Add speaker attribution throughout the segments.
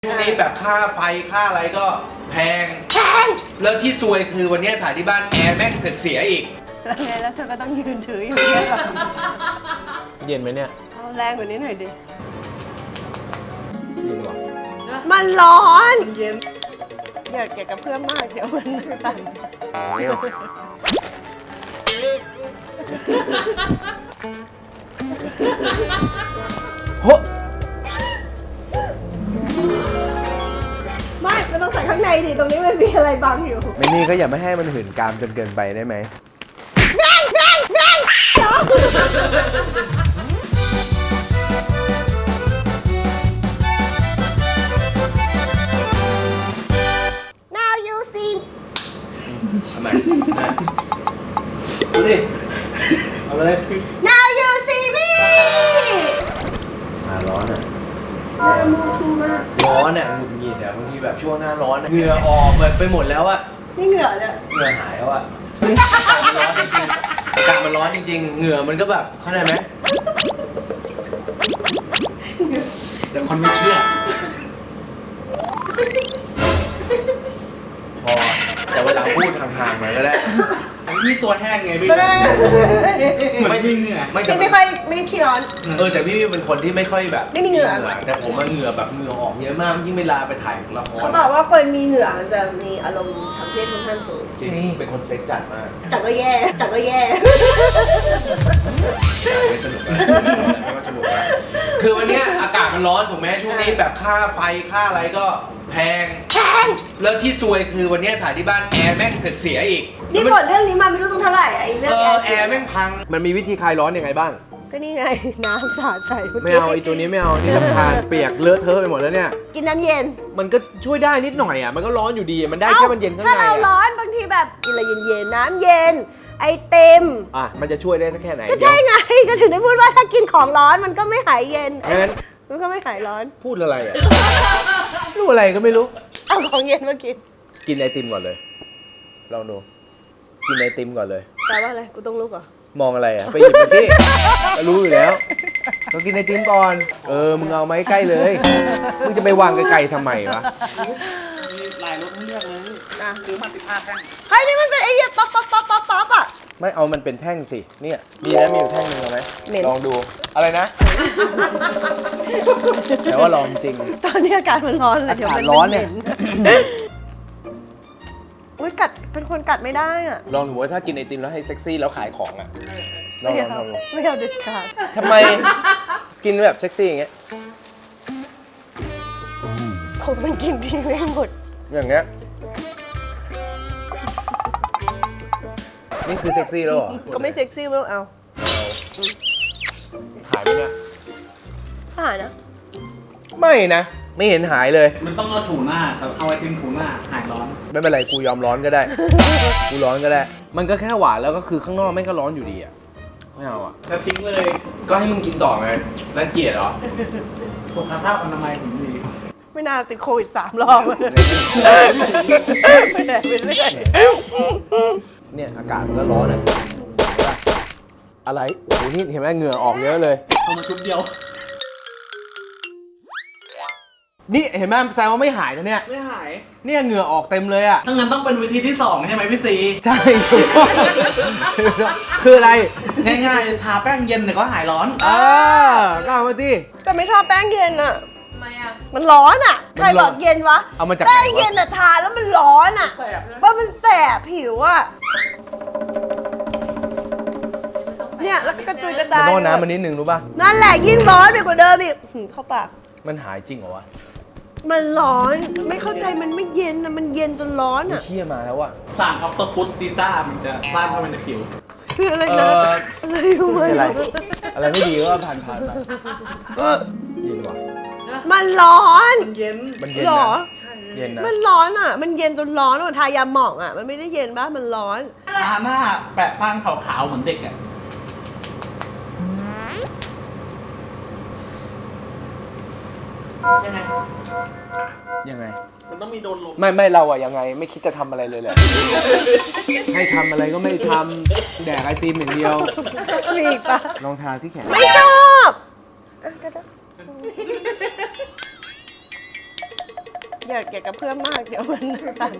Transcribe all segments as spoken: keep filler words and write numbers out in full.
Speaker 1: ช่วงนี้แบบค่าไฟค่าอะไรก็แพงแพงแล้วที่ซวยคือวันนี้ถ่ายที่บ้านแอร์แม่งเสร็จเสียอีก
Speaker 2: แล้วไงแล้วเธอก็ต้องยืนถืออยู่เนี่ยหรอ
Speaker 3: เย็นไหมเนี่ย
Speaker 2: เอาแรงกว่านี้หน่อยดิ
Speaker 3: เย็นว่ะ
Speaker 2: มันร้อนมันเย็นอย่าเกี่ยวกับเพื่อนมากเดี๋ยวมันสั่น
Speaker 3: โห
Speaker 2: ไม่มันต้องใส่ข้างในดิตรงนี้มันมีอะไรบังอยู่
Speaker 3: ไม่นี่ก็อย่าไม่ให้มันหื่นกามจนเกินไปได้ไหม
Speaker 2: แบงแบงแบง Now you see
Speaker 1: ทำไมดูดิเอาไปเลย
Speaker 2: Now you see me
Speaker 1: อ่าร้อนอ่ะ
Speaker 2: มูทูมาก
Speaker 1: ร้อนอ่ะหงุดหงิดอ่ะบางทีแบบช่วงหน้าร้อนเหงื่อออกแบบไปหมดแล้วอ่ะ
Speaker 2: นี่เหงื่อเนี่ย
Speaker 1: เหงื่อหายแล้วอ่ะอากาศมันร้อนจริงๆเหงื่อมันก็แบบเข้าใจไหมแต่คนไม่เชื่อพอแต่เวลาพูดห่างๆมาก็ได้
Speaker 4: นี่ตัวแห้งไงพี่ไม่มีเหงื่อ
Speaker 2: ไม่ไม่ค่อยไม่ขี้ร้อน
Speaker 1: เออแต่พี่เป็นคนที่ไม่ค่อยแบบ
Speaker 2: ไม่มีเหงื่อ
Speaker 1: แต่ผมมันเหงื่อแบบเหงื่อออกเยอะมากยิ่งเวลาไปถ่ายละคร
Speaker 2: เขาบอกว่าคนมีเหงื่อมันจะมีอารมณ์ทางเพศค่อนข้างสูง
Speaker 1: จริงเป็นคนเซ็กจัดมาก
Speaker 2: จัดว่าแย่จัดว่าแย่
Speaker 1: ไม่สนุกนะไม่สนุกนะคือวันนี้อากาศมันร้อนถูกไหมช่วงนี้แบบค่าไฟค่าอะไรก็แพง
Speaker 2: แพง
Speaker 1: แล้วที่ซวยคือวันนี้ถ่ายที่บ้านแอร์แม่งเสร็จเสียอีก
Speaker 2: นี่บทเรื่องนี้มาไม่รู้ต้องเท่าไหร่ไอ้เรื่อง
Speaker 1: แอร์แม่งพัง
Speaker 3: มันมีวิธีคลายร้อนยังไงบ้าง
Speaker 2: ก็นี่ไงน้ำสาดใส่
Speaker 3: ไม่เอาไอ้ตัวนี้ไม่เอานี่รำคาญเปียกเลอะเทอะไปหมดแล้วเนี่ย
Speaker 2: กินน้ำเย็น
Speaker 3: มันก็ช่วยได้นิดหน่อยอ่ะมันก็ร้อนอยู่ดีมันได้แค่มันเย็นข้างใน
Speaker 2: ถ้าเราร้อนบางทีแบบกินอะไรเย็นๆน้ำเย็นไอเต็ม
Speaker 3: อ่ะมันจะช่วยได้สักแค่ไหน
Speaker 2: ก็ใช่ไงก็ถึงได้พูดว่าถ้ากินของร้อนมันก็ไม่หายเย็น
Speaker 3: งั้น
Speaker 2: มันก็ไม่หายร้อน
Speaker 3: พูดอะไรอ่ะรู้อะไรก็ไม่รู้
Speaker 2: เอาของเย็นมากิน
Speaker 3: กินไอติมก่อนเลยลองดูกินไอติมก่อนเลย
Speaker 2: แปลว่าอะไรกูต้องลุกเหรอ
Speaker 3: มองอะไรอ่ะไปหยิบมาสิรู้อยู่แล้วต้องกินไอติมก่อนเออมึงเอาไม้ใกล้เลยมึงจะไปวางไกลๆทำไมวะ
Speaker 4: หลายรถเลือกเลยนะซื้อมาสิบห้าแท่ง
Speaker 2: เฮ้ยนี่มันเป็นไอเดียป๊อปป๊อปป๊อปป๊อปป๊อปอ่ะ
Speaker 3: ไม่เอามันเป็นแท่งสิเนี่ยมีนะมีอยู่แท่งนึงเอาไหมลองดูอะไรนะแต่ว่าลองจริง
Speaker 2: ตอนนี้อากาศมันร้อนเลย
Speaker 3: อากาศร้อนเนี่ย
Speaker 2: อุ้ยกัดเป็นคนกัดไม่ได้อ่ะ
Speaker 3: ลองดูว่าถ้ากินไอติมแล้วให้เซ็กซี่แล้วขายของอ่ะลองลองลอง
Speaker 2: ไม่เอาเด็ดขาด
Speaker 3: ทำไมกินแบบเซ็กซี่อย่างเงี้ย
Speaker 2: ผมมันกินทีไม่หมด
Speaker 3: อย่างเงี้ยนี่คือเซ็กซี่แล้วเหรอ
Speaker 2: ก็ไม่เซ็กซี่ไม่เอา
Speaker 3: หายไหมเนี่ย
Speaker 2: หายนะ
Speaker 3: ไม่นะไม่เห็นหายเลย
Speaker 4: มันต้องเอาถูหน้าครับเอาไอติมถูหน้าหายร้อน
Speaker 3: ไม่เป็นไรกูยอมร้อนก็ได้กูร้อนก็ได้มันก็แค่หวานแล้วก็คือข้างนอกไม่ก็ร้อนอยู่ดีอ่ะไม่เอาอ่ะ
Speaker 4: แล้วทิ้งเลย
Speaker 1: ก็ให้มึงกินต่อไงรังเกียจเหรอ
Speaker 4: สุขภาพอนามัยผมดี
Speaker 2: ไม่น่าติดโควิดสามรอบไม่ได้ไม่ได้
Speaker 3: เนี่ยอากาศมันก็ร้อนอ่ะอะไรโอ้โหนี่เห็นไหมเหงื่อออกเยอะเลย
Speaker 4: เอามาชุดเดียว
Speaker 3: นี่เห็นไหมแซวว่าไม่หายนะเนี่ย
Speaker 4: ไม่หาย
Speaker 3: เนี่ยเหงื่อออกเต็มเลยอ่ะ
Speaker 4: ถ้างั้นต้องเป็นวิธีที่สองใช่ไหมพี่ซี
Speaker 3: ใช่คืออะไร
Speaker 4: ง่ายๆทาแป้งเย็นเนี่ยก็หายร้อน
Speaker 3: อ่าก้าวมาดิ
Speaker 2: แต่ไม่ชอบแป้งเย็นอ่ะทำไมอ่ะมันร้อนอ่ะใครบอกเย็นวะ
Speaker 3: เอามาจาก
Speaker 2: แป้งเย็นอ่ะทาแล้วมันร้อนอ่ะว่ามันแสบผิวอ่ะเนี่ยแล้วก็กระจุยกระจาย
Speaker 3: โดนน้ำมันนิดนึงรู้ป่ะ
Speaker 2: นั่นแหละยิ่งร้อนไปกว่าเดิมอีกเข้าปาก
Speaker 3: มันหายจริงเหรอวะ
Speaker 2: มันร้อนไม่เข้าใจมันไม่เย็นนะมันเย็นจนร้อนอ่ะ
Speaker 3: เชี่ยมาแล้วอ่ะ
Speaker 4: สารออกโตปุสตีต้ามันจะสร้างเข้าไปในผิว
Speaker 2: คืออะไรนะอะไรรู้ไหม
Speaker 3: อะไรอะไรไม่ดีก็ผ่านผ่านไปเย็นว่ะ
Speaker 2: มันร้อน
Speaker 4: มันเย็น
Speaker 3: มันเย็น
Speaker 2: หรอ
Speaker 3: เย็นนะ
Speaker 2: มันร้อนอ่ะมันเย็นจนร้อนอ่ะทายาหมองอ่ะมันไม่ได้เย็นป่ะมันร้อน
Speaker 4: ทาหน้าแปะป้างขาวๆเหมือนเด็กอ่ะยังไง
Speaker 3: ยังไง
Speaker 4: มันต้องมีโดนลม
Speaker 3: ไม่ไม่เราอะยังไงไม่คิดจะทำอะไรเลยแหละให้ทำอะไรก็ไม่ทำแดกไอติมอย่างเดียว
Speaker 2: มีอีกปะ
Speaker 3: ลองทาที่แขน
Speaker 2: ไม่ชอบก็ได้อย่าอย่ากระเพื่อมมากเดี๋ยวมันสั่น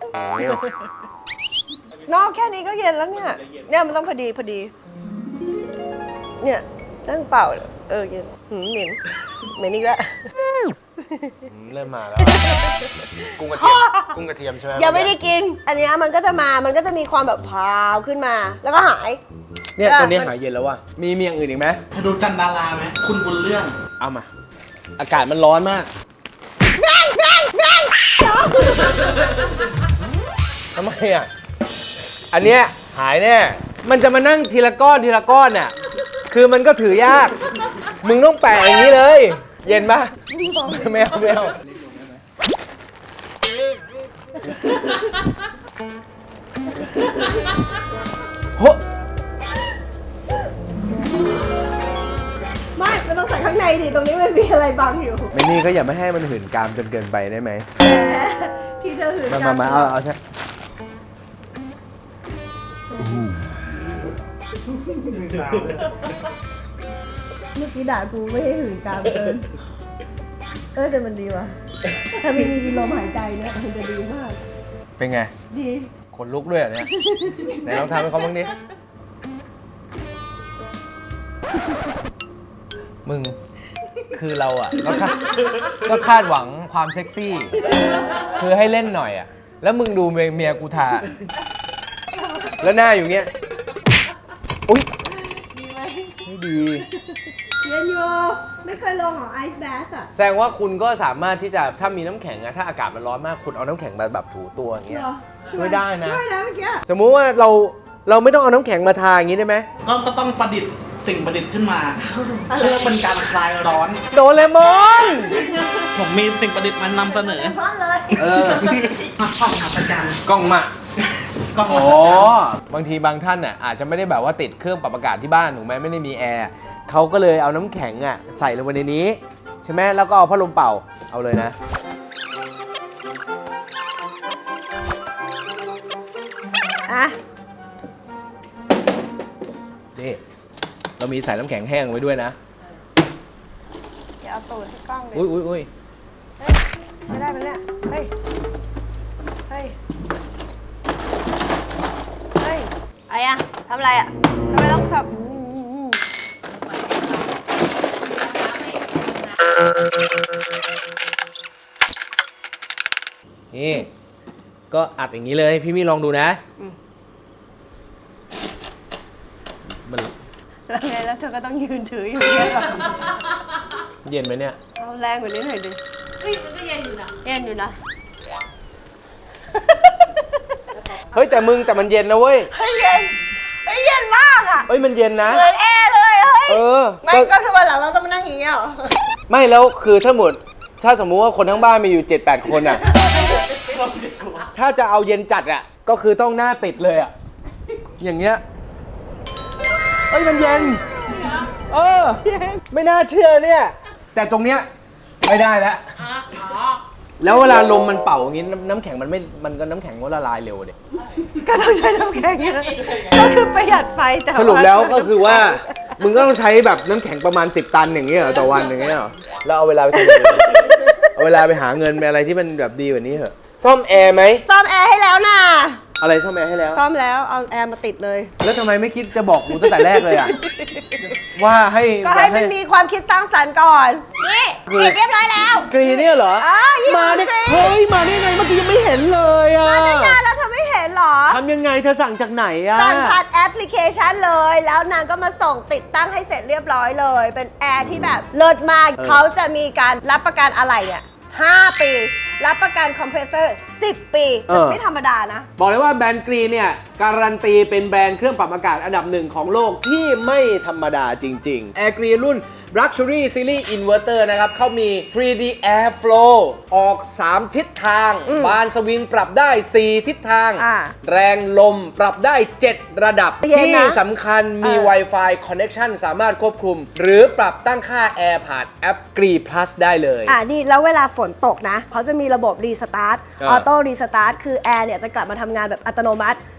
Speaker 2: นอกแค่นี้ก็เย็นแล้วเนี่ยเนี่ยมันต้องพอดีพอดี เนี่ยนั่งเป่าเออเย็นหืมเหม็นเหม็นอีกแล้ว
Speaker 3: เริ่มมาแล้ว กุ้งกระเทียม กุ้งกระเทียมใช่ไหม
Speaker 2: ยังไม่ได้กิน อันเนี้ยมันก็จะมามันก็จะมีความแบบพราวขึ้นมา แล้วก็หาย
Speaker 3: เนี่ย
Speaker 2: เออ
Speaker 3: ตอนนี้หายเย็นแล้วว่ะ มีมีอย่างอื่นอีกไหม
Speaker 4: เคยดูจันดาราไหมคุณบุญเรื่อง
Speaker 3: เอามา อากาศมันร้อนมากทำไมอ่ะ อันเนี้ยหายแน่ มันจะมานั่งทีละก้อนทีละก้อนน่ะ คือมันก็ถือยาก มึงต้องแปะอย่างนี้เลย เย็นปะไม่เอาไม่เอาโห
Speaker 2: ไม่มันต้องใส่ข้างในดิตรงนี้มันมีอะไรบังอยู่
Speaker 3: ไม่นี่ก็อย่าไม่ให้มันหื่นกามจนเกินไปได้ไหม
Speaker 2: ที่จะหืน
Speaker 3: มา
Speaker 2: กั
Speaker 3: มาน มาเอาเอาใช่
Speaker 2: เมื่อกี้ด่ากูไม่ให้หืนกามเกินเออแต่มันดีว่ะถ้ามีมีลมหายใจเนี่ยมันจะดีมาก
Speaker 3: เป็นไง
Speaker 2: ดี
Speaker 3: ขนลุกด้วยเหรอเนี่ย ไหนลองทำให้เขาบ้างดิ มึง คือเราอ่ะก็คาดก็คาดหวังความเซ็กซี่ คือให้เล่นหน่อยอ่ะ แล้วมึงดูเมียเมียกูทา แล้วหน้าอยู่เงี้ย อุ๊ย
Speaker 2: ดีไหม
Speaker 3: ไม่ดี
Speaker 2: เย็นอยู่ไม่เคยลงของไอซ์แบสอ่ะ
Speaker 3: แสดงว่าคุณก็สามารถที่จะถ้ามีน้ำแข็งอะถ้าอากาศมันร้อนมากคุณเอาน้ำแข็งมาแบบถูตัวอย่างเงี้ย
Speaker 2: เหรอ
Speaker 3: ช่วยได้นะ
Speaker 2: ช่วยนะเมื่อกี้
Speaker 3: สมมุติว่าเราเราไม่ต้องเอาน้ำแข็งมาทาอย่างงี้ได้ไหม
Speaker 4: ก็ก็ต้องประดิษฐ์สิ่งประดิษฐ์ขึ้นมา เพื่อเป็นการคลายร้อน
Speaker 3: โดเรมอน
Speaker 4: ผมมีสิ่งประดิษฐ์มานำเสนอ
Speaker 2: เพราะเลย
Speaker 3: เออ
Speaker 4: ห้องอัศจรรย์
Speaker 3: กล้องมา
Speaker 4: กล้อง
Speaker 3: อ๋อ บางทีบางท่านน่ะอาจจะไม่ได้แบบว่าติดเครื่องปรับอากาศที่บ้านถูกไหมไม่ได้มีแอร์เขาก็เลยเอาน้ำแข็งอ่ะใส่ลงไปในนี้ ใช่ไหมแล้วก็เอาพัดลมเป่าเอาเลยนะ
Speaker 2: อ่ะ
Speaker 3: นี่ เรามีใส่น้ำแข็งแห้งไว้ด้วยนะ
Speaker 2: เดี๋ยวเอาตูดให้กล้องเลย
Speaker 3: อุ้ยอุ้ยอุ้ย
Speaker 2: เฮ้ยใช้ได้ไหมเนี่ยเฮ้ยเฮ้ยเฮ้ยอะไรอะทำอะไรอะทำไมต้องทำอืมอืมอืม
Speaker 3: นี่ ก็อัดอย่างนี้เลยพี่มี่ลองดูนะมัน
Speaker 2: แล้วไงแล้วเธอก็ต้องยืนถืออยู่เนี่ยเหรอ
Speaker 3: เย็นไหมเนี่ย
Speaker 2: เอาแรงกว่านี้หน่อยดิ
Speaker 5: เฮ้ยมันก็เย็นอยู่นะ
Speaker 2: เย็นอยู่นะ
Speaker 3: เฮ้ยแต่มึงแต่มันเย็นนะเว้ย
Speaker 2: เฮ้ยเย็นเฮ้ยเย็นมากอะ
Speaker 3: เฮ้ยมันเย็นนะ
Speaker 2: เหมือนแอร์เลยเฮ้ย
Speaker 3: เออ
Speaker 2: ไม่
Speaker 3: ก็
Speaker 2: ก็คือวันหลังเราต้องมานั่งอย่างเงี้ยเหรอ
Speaker 3: ไม่แล้วคือถ้าหมดถ้าสมมุติว่าคนทั้งบ้านมีอยู่ เจ็ดแปด คนอ่ะ ถ้าจะเอาเย็นจัดอ่ะ ก็คือต้องหน้าติดเลยอ่ะ อย่างเงี้ยเอ้ยมันเย็น เออ ไม่น่าเชื่อเนี่ย แต่ตรงเนี้ยไม่ได้แล้ว แล้วเวลาลมมันเป่าอย่างงี้น้ำน้ำแข็งมันไม่ มันก็น้ำแข็งก็ละลายเร็วเด็
Speaker 2: ก็ต้องใช้น้ำแข็งเยอะก็คือประหยัดไฟแต่า
Speaker 3: สรุปแล้วก็คือว่า มึงก็ต้องใช้แบบน้ำแข็งประมาณสิบตันอย่างเงี้ยเหรอต่อวันอย่างเงี้ยเหรอแล้วเอาเวลาไปทำอะไรเอาเวลาไปหาเงินไปอะไรที่มันแบบดีกว่านี้เหรอะซ่อมแอร์ไหม
Speaker 2: ซ่อมแอร์ให้แล้วนะ
Speaker 3: อะไรซ่อมแอร์ให้แล้ว
Speaker 2: ซ่อมแล้วเอาแอร์มาติดเลย
Speaker 3: แล้วทำไมไม่คิดจะบอกกูตั้งแต่แรกเลยอ่ะ ว่าให้
Speaker 2: ก็ให้มันมีความคิดสร้างสรรค์ก่อน นี่
Speaker 3: คือ
Speaker 2: ติดเรียบร้อยแล้ว
Speaker 3: กรีเนี่ยเหรอ
Speaker 2: อ่ายี่ห้อ
Speaker 3: มาได้
Speaker 2: กรี
Speaker 3: เฮ้ยมาได้ไงเมื่อกี้ยังไม่เห็นเลยอ่ะ
Speaker 2: มาตั้งนานแล้วเธอไม่เห็นเหรอ
Speaker 3: ทำยังไงเธอสั่งจากไหนอ่ะ
Speaker 2: สั่งผ่านแอปพลิเคชันเลย แล้วนางก็มาส่งติดตั้งให้เสร็จเรียบร้อยเลย เป็นแอร์ที่แบบเลิศมาก
Speaker 3: เออ
Speaker 2: เขาจะมีการรับประกันอะไรอ่ะห้าปี รับประกันคอมเพรสเซอร์สิบปีไม่ธรรมดานะ
Speaker 3: บอกเลยว่าแบรนด์กรีเนี่ยการันตีเป็นแบรนด์เครื่องปรับอากาศอันดับหนึ่งของโลกที่ไม่ธรรมดาจริงๆ Air Gree รุ่น Luxury Series Inverter นะครับเขามี ทรี ดี Air Flow ออก สาม ทิศทาง
Speaker 2: อืม
Speaker 3: บานสวิงปรับได้ สี่ ทิศทาง
Speaker 2: อ่า
Speaker 3: แรงลมปรับได้ เจ็ด ระดับ
Speaker 2: เย็นนะ
Speaker 3: ที่สำคัญมี
Speaker 2: เออ
Speaker 3: Wi-Fi Connection สามารถควบคุม หรือปรับตั้งค่า Air ผ่านแอป Gree Plus ได้เลย
Speaker 2: อ่านี่แล้วเวลาฝนตกนะเขาจะมีระบบรีสตาร์ท
Speaker 3: เออ
Speaker 2: ออโต้รีสตาร์ทคือแอร์เนี่ยจะกลับมาทำงานแบบอัตโนมัติ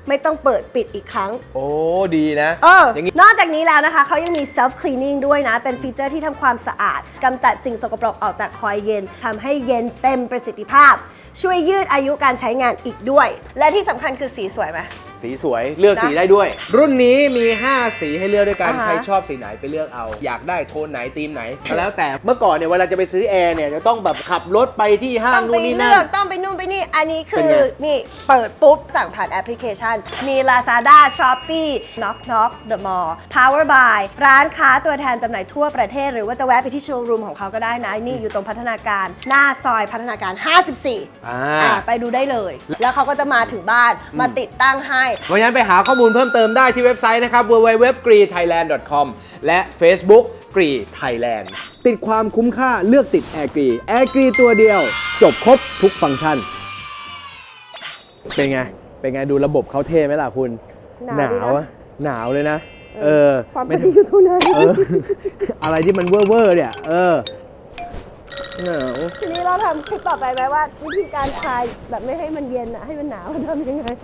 Speaker 2: ไม่ต้องเปิดปิดอีกครั้ง
Speaker 3: โอ้ดีนะ
Speaker 2: เออ
Speaker 3: อย่างงี้
Speaker 2: นอกจากนี้แล้วนะคะ เขายังมี self cleaning ด้วยนะ เป็นฟีเจอร์ที่ทำความสะอาดกำจัดสิ่งสกปรกออกจากคอยเย็นทำให้เย็นเต็มประสิทธิภาพ ช่วยยืดอายุการใช้งานอีกด้วย และที่สำคัญคือสีสวยไหม
Speaker 3: สีสวยเลือกสีได้ด้วย รุ่นนี้มี ห้า สีให้เลือกด้วยกัน
Speaker 2: อ่าฮะ
Speaker 3: ใครชอบสีไหนไปเลือกเอา อยากได้โทนไหนธีมไหนก็แล้วแต่เมื่อก่อนเนี่ยเวลาจะไปซื้อแอร์เนี่ยจะต้องแบบขับรถไปที่ห้าง
Speaker 2: ต้องไป
Speaker 3: นู่นนี่
Speaker 2: เลื
Speaker 3: นั่
Speaker 2: อก
Speaker 3: น
Speaker 2: ต้องไปนู่นไปนี่ อันนี้คื
Speaker 3: เป็น
Speaker 2: อ
Speaker 3: ไง
Speaker 2: นี่เปิดปุ๊บ สั่งผ่านแอปพลิเคชัน มี Lazada Shopee Knock Knock The Mall Power by ร้านค้าตัวแทนจำหน่ายทั่วประเทศ หรือว่าจะแวะไปที่โชว์รูมของเขาก็ได้นะ นี่อยู่ตรงพัฒนาการหน้าซอยพัฒนาการ ห้าสิบสี่
Speaker 3: อ่า
Speaker 2: อ่าไปดูได้เลย แล้วเขาก็จะมาถึงบ้านมาติดตั้งให้
Speaker 3: เพราะฉะนั้นไปหาข้อมูลเพิ่มเติมได้ที่เว็บไซต์นะครับ ดับเบิลยู ดับเบิลยู ดับเบิลยู ดอท กรี ไทยแลนด์ ดอท คอม และ Facebook กรีไทยแลนด์ติดความคุ้มค่าเลือกติดแอร์กรีแอร์กรีตัวเดียว จบครบทุกฟังก์ชัน เป็นไง เป็นไงดูระบบเขาเท่ไหมล่ะคุณ
Speaker 2: หนาวดีนะ
Speaker 3: อะหนาวเลยนะ เออ
Speaker 2: ความพ
Speaker 3: ไม่
Speaker 2: อดีอยู่ตรงนั้น
Speaker 3: เออ อะไรที่มันเวอร์เวอร์เนี่ย เออหนาว
Speaker 2: ทีนี้เราทำคลิปต่อไปไหมว่า วิธีการคลายแบบไม่ให้มันเย็นอะให้มันหนาวทำยังไง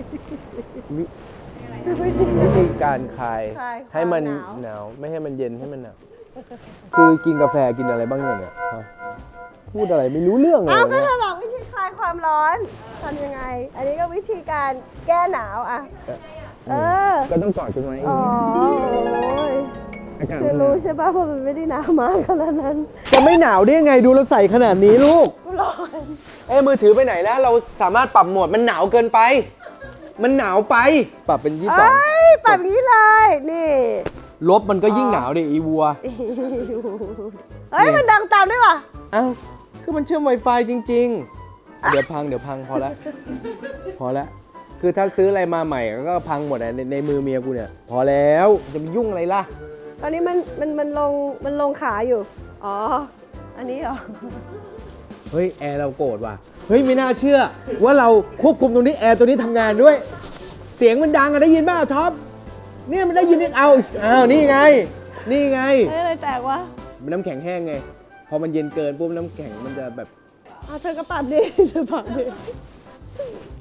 Speaker 3: วิธีการคลาย
Speaker 2: คลาย
Speaker 3: ให้มัน
Speaker 2: ความหนาว
Speaker 3: หนาวไม่ให้มันเย็นให้มันหนาวคือกินกาแฟกินอะไรบ้างเนี่ยเนี่ยฮะพูดอะไรไม่รู้เรื่องเลย
Speaker 2: อ้าวก็
Speaker 3: เนี่ย
Speaker 2: เธอบอกวิธีคลายความร้อนทำยังไง อันนี้ก็วิธีการแก้หนาวอะเออ
Speaker 3: ก็ต้องกอดกันไว้
Speaker 2: อ๋อโอ้ย
Speaker 3: อากาศ
Speaker 2: เธอรู้ใช่ป่ะเพราะมันไม่ได้หนาวมากขนาดนั้น
Speaker 3: จะไม่หนาวได้ยังไงดูเราใส่ขนาดนี้ลูก
Speaker 2: ร้อน
Speaker 3: เอ้มือถือไปไหนแล้ว เราสามารถปรับโหมดมันหนาวเกินไป มันหนาวไป ปรับเป็นยี่สิบสอง
Speaker 2: เอ้ยแบบนี้เลย นี่
Speaker 3: ลบมันก็ยิ่งหนาวดิอีวัว
Speaker 2: เฮ้ย มันดังตามด้วยว่ะ
Speaker 3: เอ้าคือมันเชื่อม Wi-Fi จริง ๆ เดี๋ยวพังเดี๋ยวพังพอแล้ว พอแล้ว คือถ้าซื้ออะไรมาใหม่ก็พังหมดอะในในมือเมียกูเนี่ย พอแล้วจะไปยุ่งอะไรล่ะ
Speaker 2: ตอนนี้มันมันมันลงมันลงขาอยู่ อ๋อ อันนี้เหรอ
Speaker 3: เฮ้ย แอร์เราโกรธว่ะ เฮ้ย ไม่น่าเชื่อ ว่าเราควบคุมตรงนี้แอร์ตัวนี้ทำงานด้วย เสียงมันดังอะได้ยินป่ะท็อปเนี่ยมันได้ยินเนี่ยเอาอ้าวนี่ไง นี่ไง
Speaker 2: เฮ้ยอะไรแตกวะ
Speaker 3: มันน้ำแข็งแห้งไง พอมันเย็นเกินปุ๊บน้ำแข็งมันจะแบบ
Speaker 2: อ่ะเธอก็ปรับดิเธอปรับดิ